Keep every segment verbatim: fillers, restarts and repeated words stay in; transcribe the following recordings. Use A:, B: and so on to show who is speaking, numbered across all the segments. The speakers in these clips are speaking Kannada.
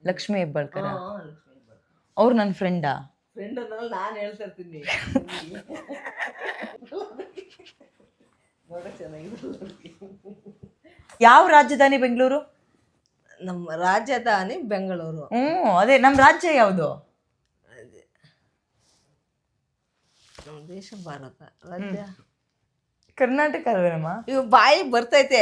A: ಲಕ್ಷ್ಮೀ ಹೆಬ್ಬಾಳ್ಕರ. ಅವ್ರು ನನ್ನ ಫ್ರೆಂಡಾ?
B: ಫ್ರೆಂಡ್ ಅನ್ನಲ್ಲ, ನಾನು ಹೇಳ್ತಾ ಇರ್ತೀನಿ. ನೋಡಕ್ ಚೆನ್ನಾಗಿದೆ.
A: ಯಾವ ರಾಜಧಾನಿ ಬೆಂಗಳೂರು?
B: ನಮ್ಮ ರಾಜಧಾನಿ ಬೆಂಗಳೂರು.
A: ಹ್ಮ್, ಅದೇ ನಮ್ಮ ರಾಜ್ಯ ಯಾವುದು?
B: ನಮ್ಮ ದೇಶ ಭಾರತ. ರಾಜ್ಯ
A: ಕರ್ನಾಟಕ ಅಲ್ವೇನಮ್ಮ?
B: ಇವ್ ಬಾಯಿ ಬರ್ತೈತೆ.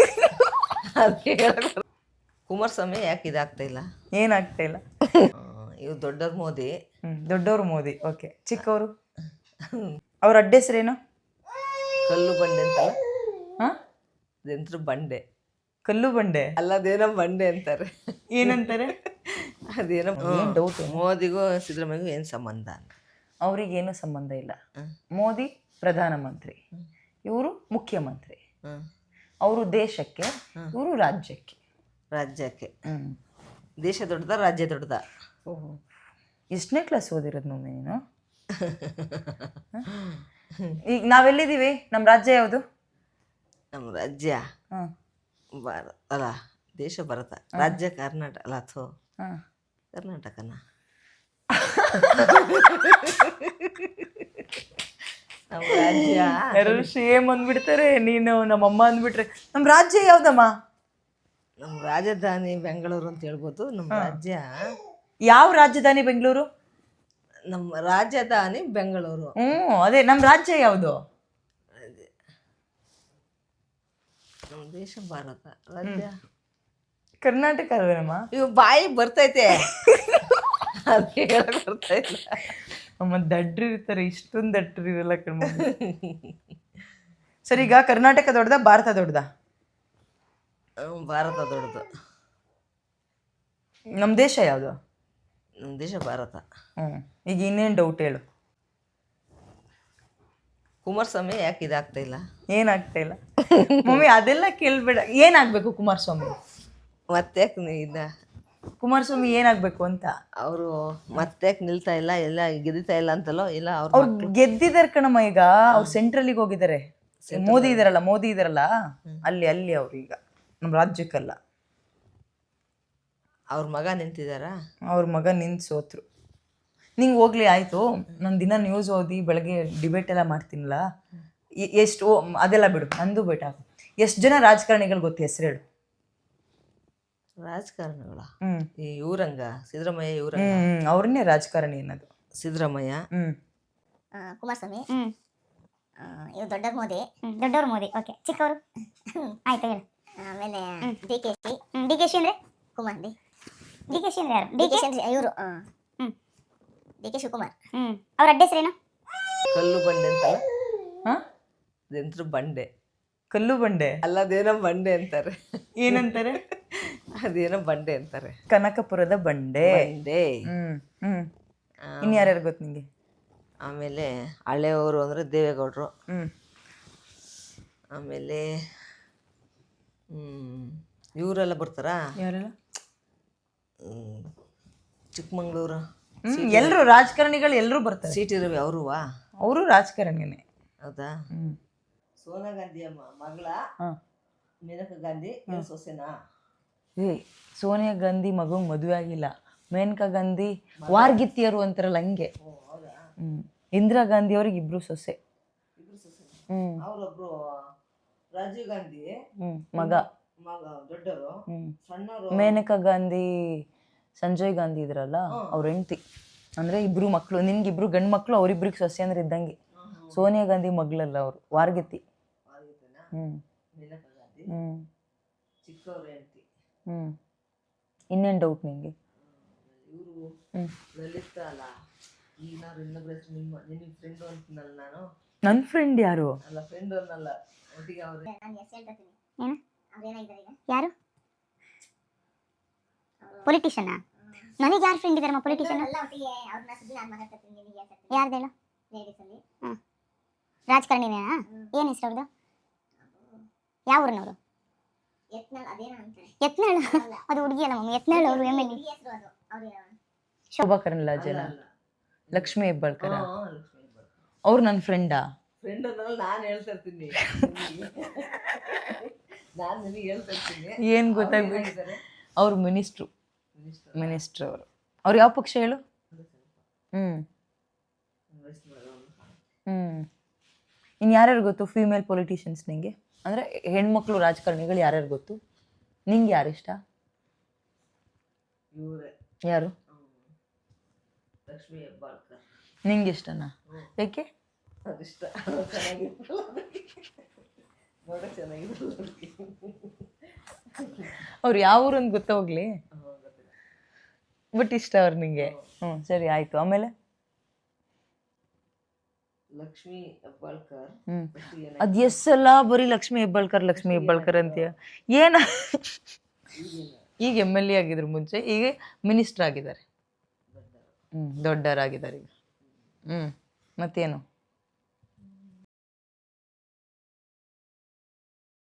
B: ಕುಮಾರಸ್ವಾಮಿ ಯಾಕೆ ಇದಾಗ್ತಾ ಇಲ್ಲ?
A: ಏನಾಗ್ತಾ ಇಲ್ಲ?
B: ಇವ್ ದೊಡ್ಡವ್ರ ಮೋದಿ.
A: ಹ್ಮ್, ದೊಡ್ಡವರು ಮೋದಿ. ಓಕೆ, ಚಿಕ್ಕವರು ಅವ್ರ ಅಡ್ಡ ಹೆಸರೇನು?
B: ಕಲ್ಲು ಬಂಡೆ ಅಂತಲ್ಲ,
A: ಹಾ,
B: ಅದಂತ್ರ ಬಂಡೆ.
A: ಕಲ್ಲು ಬಂಡೆ
B: ಅಲ್ಲದೇನೋ ಬಂಡೆ ಅಂತಾರೆ.
A: ಏನಂತಾರೆ?
B: ಅದೇನೋ
A: ಏನ್ ಡೌಟ್?
B: ಮೋದಿಗೂ ಸಿದ್ದರಾಮಯ್ಯಗೂ ಏನು ಸಂಬಂಧ?
A: ಅವ್ರಿಗೇನು ಸಂಬಂಧ ಇಲ್ಲ. ಮೋದಿ ಪ್ರಧಾನಮಂತ್ರಿ, ಇವರು ಮುಖ್ಯಮಂತ್ರಿ. ಅವರು ದೇಶಕ್ಕೆ, ಇವರು ರಾಜ್ಯಕ್ಕೆ.
B: ರಾಜ್ಯಕ್ಕೆ.
A: ಹ್ಮ್.
B: ದೇಶ ದೊಡ್ಡದ, ರಾಜ್ಯ ದೊಡ್ಡದ?
A: ಓಹೋ, ಎಷ್ಟನೇ ಕ್ಲಾಸ್ ಓದಿರೋದು ಮಮ್ಮಿ ನೀನು? ಈಗ ನಾವೆಲ್ಲಿದ್ದೀವಿ? ನಮ್ಮ ರಾಜ್ಯ ಯಾವುದು?
B: ನಮ್ಮ ರಾಜ್ಯ
A: ಹಾಂ
B: ಭಾರತ ಅಲ್ಲ, ದೇಶ ಭಾರತ. ರಾಜ್ಯ ಕರ್ನಾಟಕ ಅಲ್ಲ, ಅಥೋ
A: ಹಾಂ
B: ಕರ್ನಾಟಕನ. ನಮ್ಮ ರಾಜ್ಯ
A: ಯಾರು ಸೇಮ್ ಅಂದ್ಬಿಡ್ತಾರೆ. ನೀನು ನಮ್ಮಮ್ಮ ಅಂದ್ಬಿಟ್ರೆ ನಮ್ಮ ರಾಜ್ಯ ಯಾವ್ದಮ್ಮ?
B: ನಮ್ಮ ರಾಜಧಾನಿ ಬೆಂಗಳೂರು ಅಂತ ಹೇಳ್ಬೋದು. ನಮ್ಮ ರಾಜ್ಯ
A: ಯಾವ ರಾಜಧಾನಿ ಬೆಂಗಳೂರು?
B: ನಮ್ಮ ರಾಜಧಾನಿ ಬೆಂಗಳೂರು.
A: ಹ್ಮ್, ಅದೇ ನಮ್ಮ ರಾಜ್ಯ ಯಾವುದು?
B: ನಮ್ಮ ದೇಶ ಭಾರತ. ರಾಜ್ಯ
A: ಕರ್ನಾಟಕ ಅಲ್ವೇನಮ್ಮ?
B: ಇವ್ ಬಾಯಿ ಬರ್ತೈತೆ. ಬರ್ತಾ ಇಲ್ಲ.
A: ಅಮ್ಮ ದಡ್ರು ಇರ್ತಾರೆ, ಇಷ್ಟೊಂದು ದಡ್ರು ಇರಲ್ಲ ಕಣ್ಮ. ಸರಿ, ಈಗ ಕರ್ನಾಟಕ ದೊಡ್ಡದ, ಭಾರತ ದೊಡ್ಡದ?
B: ಭಾರತ ದೊಡ್ಡದು.
A: ನಮ್ಮ ದೇಶ ಯಾವುದು?
B: ನಮ್ಮ ದೇಶ ಭಾರತ.
A: ಹ್ಮ್, ಈಗ ಇನ್ನೇನು ಡೌಟ್ ಹೇಳು?
B: ಕುಮಾರಸ್ವಾಮಿ ಯಾಕೆ ಇದಾಗ್ತಾ ಇಲ್ಲ?
A: ಏನಾಗ್ತಾ ಇಲ್ಲ ಮಮ್ಮಿ? ಅದೆಲ್ಲ ಕೇಳ್ಬೇಡ. ಏನಾಗಬೇಕು ಕುಮಾರಸ್ವಾಮಿ?
B: ಮತ್ತೆ ಇದ
A: ಕುಮಾರಸ್ವಾಮಿ ಏನಾಗಬೇಕು ಅಂತ?
B: ಅವರು ಮತ್ತೆ ನಿಲ್ತಾ ಇಲ್ಲ, ಎಲ್ಲ ಗೆದಿತಾ ಇಲ್ಲ ಅಂತಲೋ ಇಲ್ಲ? ಅವ್ರು
A: ಅವ್ರು ಗೆದ್ದಿದ್ದಾರೆ ಕಣಮ್ಮ. ಈಗ ಅವ್ರು ಸೆಂಟ್ರಲಿಗೆ ಹೋಗಿದ್ದಾರೆ. ಮೋದಿ ಇದಾರಲ್ಲ, ಮೋದಿ ಇದಾರಲ್ಲ ಅಲ್ಲಿ ಅಲ್ಲಿ ಅವ್ರು ಈಗ ನಮ್ಮ ರಾಜ್ಯಕ್ಕಲ್ಲ.
B: ಅವ್ರ ಮಗ ನಿಂತಿದಾರ?
A: ಅವ್ರ ಮಗ ನಿಂತು ಸೋತ್ರು. ನಿಂಗೆ ಹೋಗ್ಲಿ ಆಯಿತು. ನಾನು ದಿನ ನ್ಯೂಸ್ ಓದಿ ಬೆಳಗ್ಗೆ ಡಿಬೇಟ್ ಎಲ್ಲ ಮಾಡ್ತೀನಲ್ಲ, ಎಷ್ಟು ಅದೆಲ್ಲ ಬಿಡು, ನಂದು ಬೇಟ. ಎಷ್ಟು ಜನ ರಾಜಕಾರಣಿಗಳು ಗೊತ್ತು? ಹೆಸರು ಹೇಳು.
B: ರಾಜಕಾರಣಿಗಳ?
A: ಹ್ಮ್,
B: ಈ ಯೂರಂಗ ಸಿದ್ದರಾಮಯ್ಯ. ಯೂರಂಗ
A: ಹ್ಮ್, ಅವ್ರನ್ನೇ ರಾಜಕಾರಣಿ ಅನ್ನೋದು.
B: ಸಿದ್ದರಾಮಯ್ಯ.
A: ಹ್ಮ್,
C: ಕುಮಾರಸ್ವಾಮಿ. ಹ್ಮ್, ಇವ್ ದೊಡ್ಡವ್ರ ಮೋದಿ. ದೊಡ್ಡವ್ರ ಮೋದಿ. ಓಕೆ, ಚಿಕ್ಕವರು ಆಯ್ತು ಹೇಳು. ಆಮೇಲೆ D K Shi. D K Shi ಅಂದ್ರೆ Kumar. D D K Shi ಅಂದ್ರೆ ಯಾರು? ಡಿ ಕೆ ಶಿ ಅಂದ್ರೆ ಇವರು. ಹ್ಮ್, ಡಿ ಕೆ ಶಿವಕುಮಾರ್. ಹ್ಮ್, ಅವ್ರ ಅಡ್ಡ ಹೆಸರೇನು?
B: ಕಲ್ಲು ಬಂಡೆ ಅಂತಲ್ಲ,
A: ಹಾ,
B: ಅದಂತ್ರ ಬಂಡೆ.
A: ಕಲ್ಲು ಬಂಡೆ
B: ಅಲ್ಲದೇನೋ ಬಂಡೆ ಅಂತಾರೆ.
A: ಏನಂತಾರೆ?
B: ಅದೇನೋ ಬಂಡೆ ಅಂತಾರೆ.
A: ಕನಕಪುರದ ಬಂಡೆ.
B: ಬಂಡೆ.
A: ಹ್ಮ್ ಹ್ಮ್ ಇನ್ ಯಾರ್ಯಾರು ಗೊತ್ತು ನಿಂಗೆ?
B: ಆಮೇಲೆ ಹಳೆಯವರು ಅಂದರೆ ದೇವೇಗೌಡರು.
A: ಹ್ಮ್
B: ಆಮೇಲೆ ಹ್ಮ್ ಇವರೆಲ್ಲ ಬರ್ತಾರಾ?
A: ಯಾರೆಲ್ಲ?
B: ಚಿಕ್ಕಮಂಗ್ಳೂರು.
A: ಹ್ಮ್, ಎಲ್ಲರೂ ರಾಜಕಾರಣಿಗಳು ಎಲ್ಲರೂ ಬರ್ತಾರೆ.
B: ಸಿ ಟಿ ರವಿ ಅವರುವಾ?
A: ಅವರು ರಾಜಕಾರಣಿನೇ.
B: ಹೌದಾ?
A: ಹ್ಮ್
B: ಸೋನಿಯಾ ಗಾಂಧಿ ಅಮ್ಮ ಮಗಳ
A: ಹಾಂ.
B: ಮೇನಕಾ ಗಾಂಧಿ ಸೊಸೆನಾ?
A: ಏ, ಸೋನಿಯಾ ಗಾಂಧಿ ಮಗಂಗೆ ಮದುವೆ ಆಗಿಲ್ಲ. ಮೇನಕಾ ಗಾಂಧಿ ವಾರ್ಗಿತ್ತಿಯರು ಅಂತಾರಲ್ಲ ಹಂಗೆ. ಹ್ಮ್, ಇಂದಿರಾ ಗಾಂಧಿ ಅವ್ರಿಗೆ ಇಬ್ರು ಸೊಸೆ. ಹ್ಮ್,
B: ಅವರೊಬ್ರು ರಾಜೀವ್ ಗಾಂಧಿ
A: ಹ್ಮ್ ಮಗ
B: ಮಗ ದೊಡ್ಡವರು.
A: ಹ್ಮ್,
B: ಸಣ್ಣವರು
A: ಮೇನಕಾ ಗಾಂಧಿ ಸಂಜಯ್ ಗಾಂಧಿ ಇದ್ರಲ್ಲ ಅವ್ರ ಹೆಂಡತಿ. ಅಂದ್ರೆ ಇಬ್ರು ಮಕ್ಕಳು. ನಿನ್ಗಿಬ್ರು ಗಂಡು ಮಕ್ಕಳು, ಅವ್ರಿಬ್ರಿಗೆ ಸೊಸೆ ಅಂದ್ರೆ ಇದ್ದಂಗೆ. ಸೋನಿಯಾ ಗಾಂಧಿ ಮಗಳಲ್ಲ ಅವರು, ವಾರ್ಗಿತ್ತಿ. ಹ್ಮ್
B: ಮೇನಕಾ ಗಾಂಧಿ
A: ಹ್ಮ್
B: ಚಿಕ್ಕವ್ರ ಹೆಂಡತಿ.
A: ಹ್ಮ್ ಇನ್ನೇನು ಡೌಟ್ ನಿಂಗೆ?
B: ಇವರು
A: ಹ್ಮ್
B: ಲಲಿತ ಅಲ್ಲ, ಈಗ ನಾನು ಇನ್ನೊಬ್ಬರ ಹೆಸರು ನಿಮ್ಮ ನಿನ್ನ ಫ್ರೆಂಡು ಅಂತೀನಲ್ಲ ನಾನು.
A: ನನ್ನ ಫ್ರೆಂಡ್ ಯಾರು?
B: ಅಲ್ಲ, ಫ್ರೆಂಡ್ ಅನ್ನಲ್ಲ, ಒಟ್ಟಿಗೆ ಅವ್ರೆ.
C: ಏನು? ಯಾರು? ಪೊಲಿಟಿಷಿಯನ್? ನನಗೆ ಯಾರು ಫ್ರೆಂಡ್ ಇದಾರಮ್ಮ ಪೊಲಿಟಿಷಿಯನ್? ಯಾರ್ದು ಹೇಳು? ಹಾಂ, ರಾಜಕಾರಣಿನೇನಾ? ಏನು ಹೆಸರು ಅವ್ರದ್ದು? ಯಾವ ಊರಿನವರು? ಯತ್ನಾಳ್. ಅದು ಹುಡುಗಿ ಅಲ್ಲ ಮಮ್ಮಿ, ಯತ್ನಾಳ್ ಅವರು M L A.
A: Shobha Karandlaje, Lakshmi Hebbalkar.
B: ಹಾ, ಲಕ್ಷ್ಮೀ ಹೆಬ್ಬಾಳ್ಕರ್.
A: ಅವ್ರು ನನ್ನ ಫ್ರೆಂಡಾ?
B: ಫ್ರೆಂಡ್ ಅನ್ನಲ್ಲ, ನಾನು ಹೇಳ್ತಾ ಇರ್ತೀನಿ. ನಾನು ನಿನಗೆ ಹೇಳ್ತಾ ಇರ್ತೀನಿ.
A: ಏನು ಗೊತ್ತಾಗ್ಬೇಕು? ಅವ್ರು ಮಿನಿಸ್ಟ್ರು.
B: ಮಿನಿಸ್ಟರ್
A: ಮಿನಿಸ್ಟರ್ ಅವರು. ಅವ್ರು ಯಾವ ಪಕ್ಷ ಹೇಳು? ಹ್ಞೂ
B: ಕಾಂಗ್ರೆಸ್ ಮಾಡೋದು.
A: ಹ್ಞೂ ಇನ್ನು ಯಾರ್ಯಾರು ಗೊತ್ತು ಫೀಮೇಲ್ ಪೊಲಿಟಿಷಿಯನ್ಸ್ ನಿಂಗೆ? ಅಂದರೆ ಹೆಣ್ಮಕ್ಳು ರಾಜಕಾರಣಿಗಳು ಯಾರ್ಯಾರು ಗೊತ್ತು ನಿಂಗೆ? ಯಾರು ಇಷ್ಟ?
B: ಇವರೇ
A: ಯಾರು?
B: ಲಕ್ಷ್ಮೀ ಹೆಬ್ಬಾಳ್ಕರ್.
A: ನಿಂಗೆ ಇಷ್ಟನಾ? ಯಾಕೆ?
B: ಅದಿಷ್ಟ. ಚೆನ್ನಾಗಿರ್ತಲ್ಲ ನೋಡೋ ಚೆನ್ನಾಗಿರಲ್ಲ.
A: ಅವ್ರು ಯಾವ ಊರು ಅಂತ ಗೊತ್ತಾ ಹೋಗ್ಲಿ, ಬಟ್ ಇಷ್ಟ ಅವ್ರು ನಿಂಗೆ. ಹ್ಞೂ ಸರಿ ಆಯಿತು. ಆಮೇಲೆ
B: ಲಕ್ಷ್ಮೀ ಹೆಬ್ಬಾಳ್ಕರ್.
A: ಹ್ಞೂ ಅದು ಎಸ್ ಅಲ್ಲ, ಬರೀ ಲಕ್ಷ್ಮೀ ಹೆಬ್ಬಾಳ್ಕರ್ ಲಕ್ಷ್ಮೀ ಹೆಬ್ಬಾಳ್ಕರ್ ಅಂತೀಯ ಏನ? ಈಗ ಎಮ್ ಎಲ್ ಎ ಆಗಿದ್ರು, ಮುಂಚೆ ಈಗ ಮಿನಿಸ್ಟರ್ ಆಗಿದ್ದಾರೆ. ಹ್ಞೂ ದೊಡ್ಡವರಾಗಿದ್ದಾರೆ ಈಗ. ಹ್ಞೂ ಮತ್ತೇನು?